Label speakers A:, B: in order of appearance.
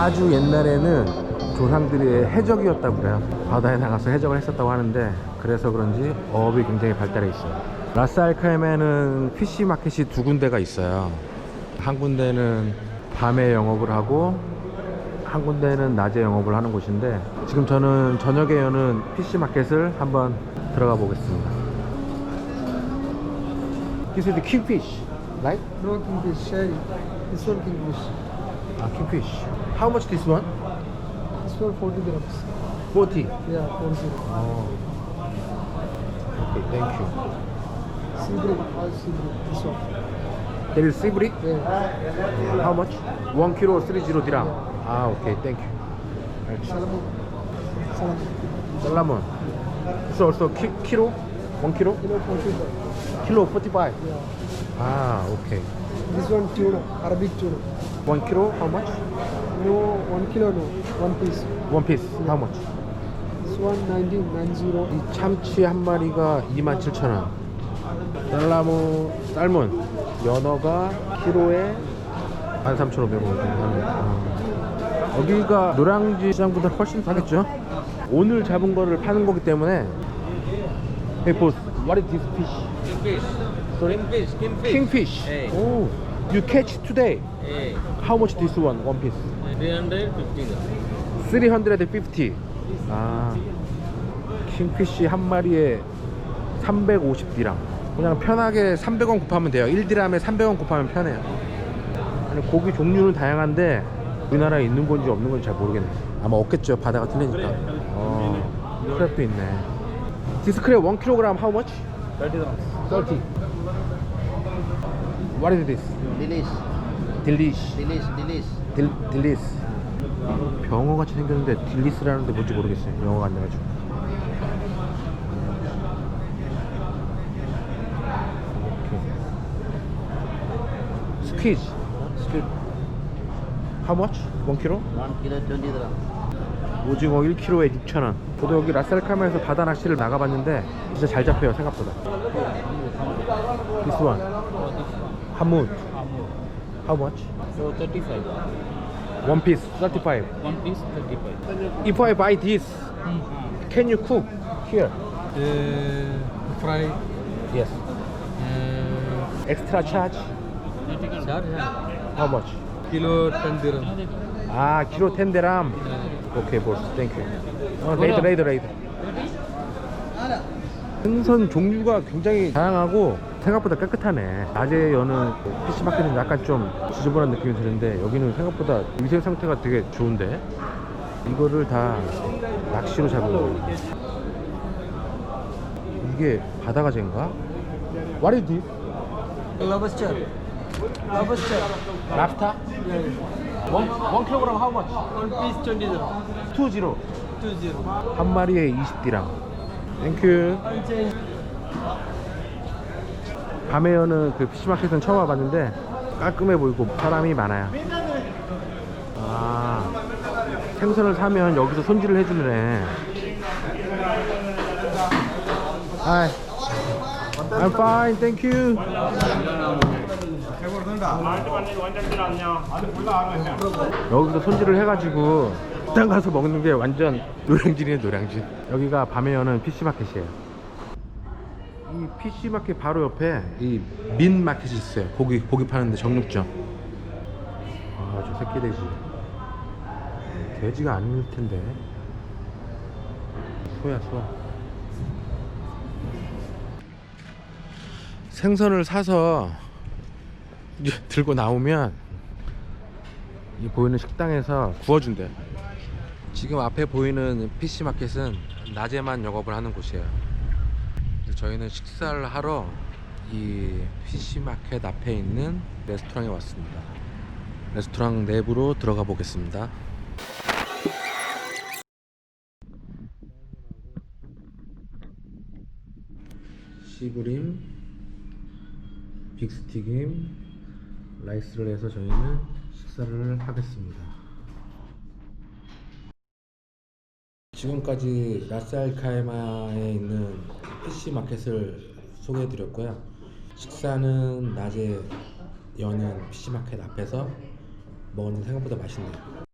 A: 아주 옛날에는 조상들이 해적이었다고 그래요. 바다에 나가서 해적을 했었다고 하는데, 그래서 그런지 어업이 굉장히 발달해 있어요. 라스알카임에는 피시 마켓이 두 군데가 있어요. 한 군데는 밤에 영업을 하고 한 군데는 낮에 영업을 하는 곳인데, 지금 저는 저녁에 여는 피시 마켓을 한번 들어가 보겠습니다. This is the kingfish, right?
B: No kingfish, sherry. This one kingfish.
A: Ah, kingfish. How much this one?
B: This one 40 grams.
A: 40.
B: Yeah, 40.
A: Oh. Okay, thank you.
B: Sea breed, all sea breed. This one.
A: There is seaweed.
B: Yeah.
A: How much? 1 kilo 30 dirham. Ah, okay, thank you.
B: Salmon. Salmon.
A: Salmon. So also kilo? 1 kilo?
B: Kilo 45.
A: Kilo 45.
B: Yeah.
A: Ah, okay.
B: This one tuna, Arabic tuna.
A: 1 kilo, how much?
B: No, 1 kilo no. One piece.
A: One piece, how much?
B: This one 90.
A: 이 참치 한 마리가 27,000원. 살몬, 연어가 키로에 13,500원. 여기가 노량지 시장보다 훨씬 싸겠죠? 오늘 잡은 거를 파는 거기 때문에. Hey boss, what is this fish?
C: Kingfish.
A: Sorry?
C: Kingfish.
A: Kingfish.
C: Hey.
A: Oh, you catch today?
C: Hey.
A: How much this one piece?
C: 350.
A: 350. 아, 킹피쉬 한 마리에 350디람. 그냥 편하게 300원 곱하면 돼요. 1디람에 300원 곱하면 편해요. 아니, 고기 종류는 다양한데 우리나라에 있는 건지 없는 건지 잘 모르겠네. 아마 없겠죠. 바다가 틀리니까. 크랩도 있네. This crab 1kg how much?
C: 30 grams.
A: 30. What is this?
C: Delish.
A: Delish.
C: Delish.
A: 딜리스. 병어 같이 생겼는데 딜리스라는데 뭔지 모르겠어요. 영어가 안 돼가지고. 스퀴즈. How much? 1 kg?
C: 1 kilo 20 grams.
A: 오징어 1kg에 6,000원. 저도 여기 라스알카임에서 바다 낚시를 나가봤는데 진짜 잘 잡혀요, 생각보다. This one. 하뭇. How much?
C: So 35.
A: One piece 35.
C: One piece 35.
A: If I buy this, can you cook here?
B: Fry.
A: Yes. Extra charge?
C: Charge?
A: How much?
B: Kilo 10 dirham.
A: 아, 키로 10데람. 오케이, 보스. 땡큐. 레이더. 생선 종류가 굉장히 다양하고 생각보다 깨끗하네. 낮에 여는 PC마켓은 약간 좀 지저분한 느낌이 드는데 여기는 생각보다 위생 상태가 되게 좋은데, 이거를 다 낚시로 잡은 거예요. 이게 바다가재인가? What is this?
B: Lobster. Lobster.
A: 랍스타? One kilogram how much?
B: One piece 20 dirham.
A: 20.
B: 20.
A: 한 마리에 20디람. 땡큐. 밤에 여는 그 피시마켓은 처음 와봤는데 깔끔해 보이고 사람이 많아요. 아, 생선을 사면 여기서 손질을 해주네. Hi. I'm fine, thank you. 여기서 손질을 해가지고 식당 가서 먹는 게 완전 노량진이네, 노량진. 여기가 밤에 여는 PC마켓이에요. 이 PC마켓 바로 옆에 이 민 마켓이 있어요. 고기 파는데, 정육점. 아, 저 새끼 돼지. 돼지가 아닐 텐데. 소야. 생선을 사서 이제 들고 나오면 이 보이는 식당에서 구워준대. 지금 앞에 보이는 PC마켓은 낮에만 영업을 하는 곳이에요. 저희는 식사를 하러 이 PC마켓 앞에 있는 레스토랑에 왔습니다. 레스토랑 내부로 들어가 보겠습니다. 시브림, 빅스튀김, 라이스를 해서 저희는 식사를 하겠습니다. 지금까지 라스알카이마에 있는 PC마켓을 소개해 드렸고요. 식사는 낮에 여는 PC마켓 앞에서 먹었는데 생각보다 맛있네요.